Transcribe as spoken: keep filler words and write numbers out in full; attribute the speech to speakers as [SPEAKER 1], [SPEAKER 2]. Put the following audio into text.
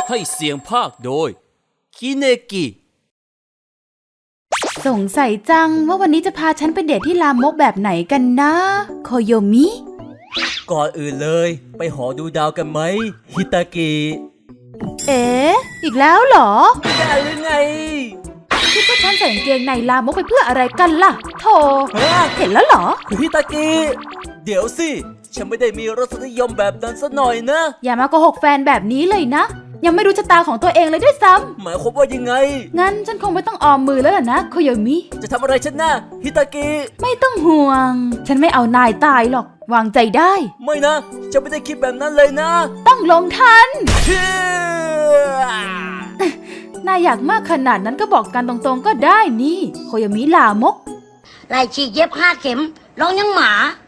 [SPEAKER 1] ให้เสียงภาคโดยคิเนกิ
[SPEAKER 2] สงสัยจังว่าวันนี้จะพาฉันไปเดทที่ลามกแบบไหนกันนะโคโยมิ
[SPEAKER 1] ก่อนอื่นเลยไปหอดูดาวกันไหมฮิตากิ
[SPEAKER 2] เอ๊ะอีกแล้วเหรอ
[SPEAKER 1] ได้หรือไง
[SPEAKER 2] คิดว่าฉันใส่กางเกงในลามกไปเพื่ออะไรกันล่ะโธ่เห็นแล้วเหรอ
[SPEAKER 1] คุณฮิตากิเดี๋ยวสิฉันไม่ได้มีรสนิยมแบบนั้นซะหน่อยนะ
[SPEAKER 2] อย่ามาโกหกแฟนแบบนี้เลยนะยังไม่รู้ชะตาของตัวเองเลยด้วยซ้
[SPEAKER 1] ำหมายความว่ายังไง
[SPEAKER 2] งั้นฉันคงไม่ต้องออมมือแล้วล่ะนะโคโยมิ
[SPEAKER 1] จะทำอะไรฉันนะฮิตากิ
[SPEAKER 2] ไม่ต้องห่วงฉันไม่เอานายตายหรอกวางใจได้
[SPEAKER 1] ไม่นะฉันไม่ได้คิดแบบนั้นเลยนะ
[SPEAKER 2] ต้องลงทันนายอยากมากขนาดนั้นก็บอกกันตรงๆก็ได้นี่โคโยมิลามก
[SPEAKER 3] ไหล่ฉีกเย็บห้าเข็มร้องยังหมา